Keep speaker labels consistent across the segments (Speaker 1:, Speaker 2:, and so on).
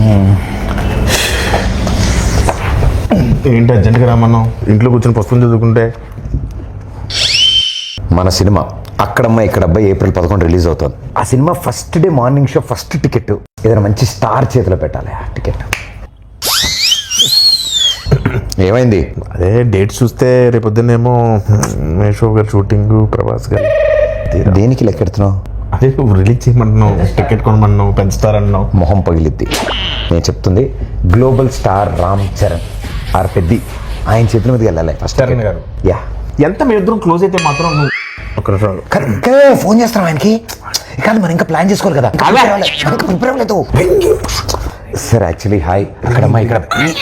Speaker 1: ఏంటి అర్జెంట్గా రామన్నాం? ఇంట్లో కూర్చొని పుస్తకం చదువుకుంటే.
Speaker 2: మన సినిమా అక్కడమ్మ ఇక్కడ అబ్బాయి April 11 రిలీజ్ అవుతుంది. ఆ సినిమా first day morning show first ticket ఏదైనా మంచి స్టార్ చేతిలో పెట్టాలి. ఆ టికెట్ ఏమైంది?
Speaker 1: అదే డేట్ చూస్తే రేపొద్దునేమో మేషో గారు షూటింగ్, ప్రభాస్ గారు.
Speaker 2: దేనికి లెక్కెడుతున్నావు?
Speaker 1: అదే రిలీజ్ చేయమంటున్నావు, టికెట్ కొనమన్నావు, పెంచుతారన్నావు. మొహం
Speaker 2: పగిలిద్ది. నేను చెప్తుంది global star Ram Charan R Peddi ఆయన చేతుల మీదకి వెళ్ళాలి ఫస్ట్.
Speaker 1: చరణ్ గారు
Speaker 2: యా
Speaker 1: ఎంత మీ ఇద్దరం క్లోజ్ అయితే మాత్రం నువ్వు ఒక
Speaker 2: ఫోన్ చేస్తాం ఆయనకి. కానీ మనం ఇంకా ప్లాన్ చేసుకోవాలి కదా. ప్రిపేర్ అవ్వలేదు సార్. యాక్చువల్లీ హాయ్ అక్కడమ్మా ఇక్కడ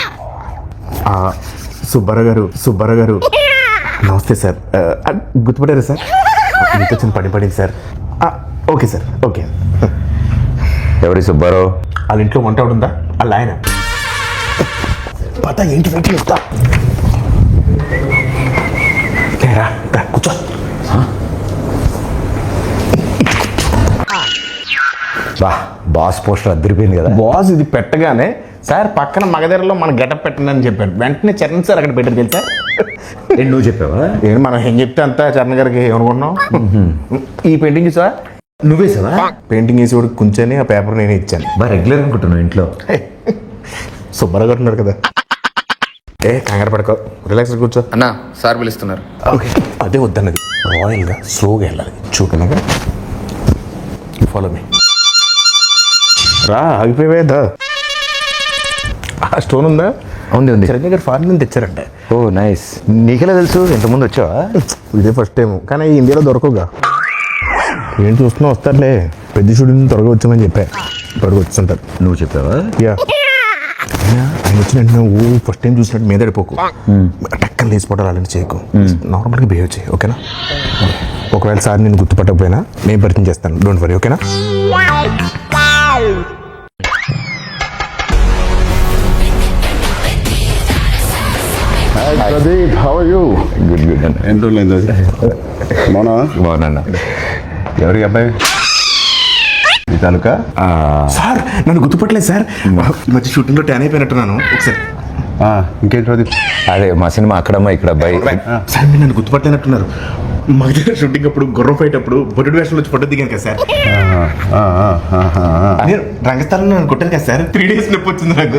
Speaker 1: సుబ్బారావు గారు నమస్తే సార్. గుర్తుపడారా సార్? మీతో చిన్న పడింది సార్. Okay sir, okay.
Speaker 2: ఎవరి సుబ్బారావు?
Speaker 1: వాళ్ళ ఇంట్లో వంట ఉందా? వాళ్ళ ఆయన
Speaker 2: పత ఏంటి వెయిట్ చేస్తా
Speaker 1: కూర్చో.
Speaker 2: బాస్ పోస్టర్ అద్దరిపోయింది కదా.
Speaker 1: బాస్ ఇది పెట్టగానే సార్ పక్కన మగధరలో మన గెటప్ పెట్టండి అని చెప్పాడు. వెంటనే చరణ్ సార్ అక్కడ పెట్టారు తెలుసా?
Speaker 2: నువ్వు చెప్పావా?
Speaker 1: ఏంటి మనం ఏం చెప్తే అంతా చరణ్ గారికి ఏమనుకున్నాం. ఈ పెయింటింగ్ చూసా?
Speaker 2: నువ్వే సార్
Speaker 1: పెయింటింగ్ వేసి కూడా కూర్చొని ఆ పేపర్ నేనే ఇచ్చాను.
Speaker 2: రెగ్యులర్ అనుకుంటున్నావు ఇంట్లో.
Speaker 1: సుబ్బారావు గారు ఉన్నారు కదా. కంగారు పడుకో, రిలాక్స్ కూర్చో.
Speaker 3: అన్నా సార్ పిలుస్తున్నారు.
Speaker 1: ఓకే అదే వద్దన్నది. రాయల్గా స్లోగా వెళ్ళాలి. చూడనగా ఫాలో మీ. రా ఆగిపోయేదా? ఆ స్టోన్ ఉందా?
Speaker 2: ఉంది.
Speaker 1: చిరంజీవి గారు ఫారెన్ నుంచి తెచ్చారంట.
Speaker 2: ఓ నైస్. నీకెలా తెలుసు? ఇంతకుముందు వచ్చావా?
Speaker 1: ఇదే ఫస్ట్ టైం, కానీ ఇండియాలో దొరకవుగా. ఏం చూస్తున్నా వస్తారులే. పెద్ద షూటింగ్ త్వరగా వచ్చామని చెప్పా. త్వరగా వచ్చుంటారు.
Speaker 2: నువ్వు చెప్పావా?
Speaker 1: యా. ఆయన వచ్చిన వెంటనే ఫస్ట్ టైం చూసినట్టు మీద పడిపోకు. టక్కన లేచిపోవడాలు అలాంటి చేయకు. నార్మల్గా బిహేవ్ చేయి, ఓకేనా? ఒకవేళ సార్ నేను గుర్తుపట్టకపోయినా నేను పరిచయం చేస్తాను. డోంట్ వరీ, ఓకేనా?
Speaker 4: Pradeep, how are you?
Speaker 2: Good అన్న.
Speaker 4: ఏం రోజులైంది అది?
Speaker 2: బాగున్నా.
Speaker 4: ఎవరికి అబ్బాయి? ఈ తాలూకా?
Speaker 1: సార్ నన్ను గుర్తుపట్టలేదు సార్. ఈ మధ్య షూటింగ్లో ట్యాన్ అయిపోయినట్టున్నాను. ఒకసారి
Speaker 4: ఇంకేంటి ప్రదీప్?
Speaker 2: అదే మా సినిమా అక్కడమ్మా ఇక్కడ అబ్బాయి.
Speaker 1: సార్ మీరు నన్ను గుర్తుపట్టలేనట్టున్నారు. మా దగ్గర షూటింగ్ అప్పుడు గుర్రం ఫైట్ అప్పుడు బొడ్డు వేషంలో వచ్చి ఫోటో దిగాను కదా సార్. నేను రంగస్థలంలో నన్ను కొట్టాను కదా సార్. 3 days నొప్పి వచ్చింది నాకు.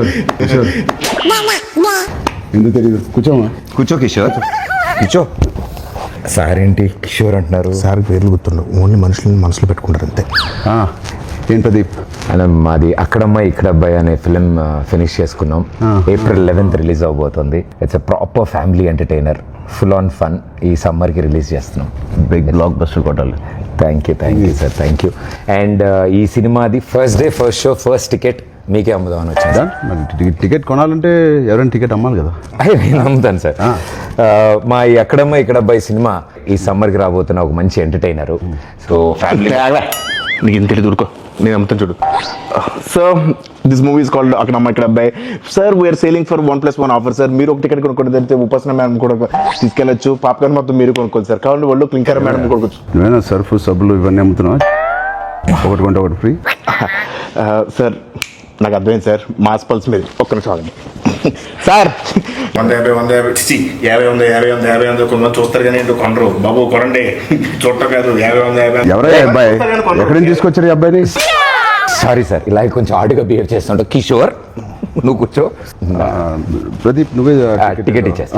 Speaker 4: ఎందుకు తెలియదు? కూర్చోమా.
Speaker 2: కూర్చో కిషోర్, కూర్చో. సార్ ఏంటి కిషోర్ అంటున్నారు?
Speaker 1: సార్ పేర్లు గుర్తుండవు, ఓన్లీ మనుషులను మనసులో పెట్టుకుంటారు అంతే.
Speaker 4: ఏం ప్రదీప్?
Speaker 2: అలా మాది అక్కడమ్మ ఇక్కడ అబ్బాయి అనే ఫిలిం ఫినిష్ చేసుకున్నాం. April 11 రిలీజ్ అవబోతుంది. It's a proper family entertainer, full on fun. ఈ సమ్మర్కి రిలీజ్ చేస్తున్నాం.
Speaker 4: బిగ్ బ్లాక్ బస్టర్ కొట్టాలి.
Speaker 2: Thank you sir, thank you. And ఈ సినిమాది first day first show first ticket మీకే అమ్ముదామని వచ్చిందా?
Speaker 4: మరి టికెట్ కొనాలంటే ఎవరైనా టికెట్ అమ్మాలి కదా.
Speaker 2: నేను అమ్ముతాను సార్. మా ఈ అక్కడమ్మ ఇక్కడ అబ్బాయి సినిమా ఈ సమ్మర్కి రాబోతున్న ఒక మంచి ఎంటర్టైనరు. సో ఫ్యామిలీ
Speaker 1: నీకు ఇంత దూరుకో, నేను అమ్ముతాను చూడు. So this movie is called Akkadamma Ikkada Abbayi. Sir we're selling for 1+1 offer sir. మీరు ఒక టికెట్ కొనుక్కోండి, తెలిస్తే ఉపాసన మేడం కూడా తీసుకెళ్ళచ్చు. పాప్కార్న్ మొత్తం మీరు కొనుక్కోండి సార్. కావాలి వాళ్ళు క్లింకర్ మేడం కొనుక్కోవచ్చు.
Speaker 4: నువ్వేనా సర్ఫ్ సబ్బులు ఇవన్నీ అమ్ముతున్నావా? ఒకటి కొంటే ఒకటి ఫ్రీ.
Speaker 1: సార్ నాకు అర్థమైంది సార్. మాస్ పల్స్ మీద ఒక్క నిమిషం ఆగండి సార్. 150 కొంతమంది చూస్తారు కానీ ఏంటో కొనరు. బాబు కొనండి, చూడటం కాదు. 50
Speaker 4: ఎవరయ్యా అబ్బాయి? ఎక్కడి నుంచి తీసుకొచ్చారు ఈ అబ్బాయిని?
Speaker 2: సారీ సార్, ఇలా కొంచెం ఆడుగా బిహేవ్ చేస్తుంటా. కిషోర్ నువ్వు కూర్చో.
Speaker 4: ప్రదీప్ నువ్వే
Speaker 2: టికెట్ ఇచ్చేస్తా.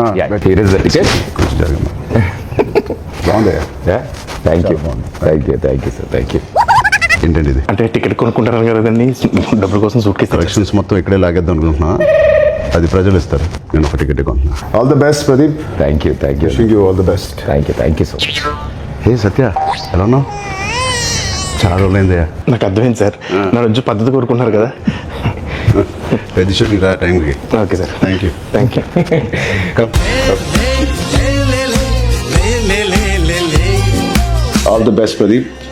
Speaker 4: బాగుందయ్యా.
Speaker 2: Thank you sir.
Speaker 4: ఏంటండి ఇది?
Speaker 1: అంటే టికెట్ కొనుక్కుంటారు కదండి, డబ్బుల కోసం సూట్ కేసు
Speaker 4: కలెక్షన్స్ మొత్తం ఇక్కడే లాగేద్దాం అనుకుంటున్నా. అది ప్రజలు ఇస్తారు. నేను ఒక టికెట్ కొంటున్నా. All the best Pradeep.
Speaker 2: Thank you.
Speaker 4: Wishing you all the best.
Speaker 2: Thank you so much.
Speaker 4: Hey Satya, ఎలా ఉన్నావు? చాలా రోజులైందయ్యా.
Speaker 1: నాకు అర్థమైంది సార్. నా రోజు పద్ధతి కోరుకుంటున్నారు కదా.
Speaker 4: పెద్ద షూటింగ్ రా టైంకి.
Speaker 1: Okay sir.
Speaker 4: Thank you.
Speaker 1: All the best Pradeep.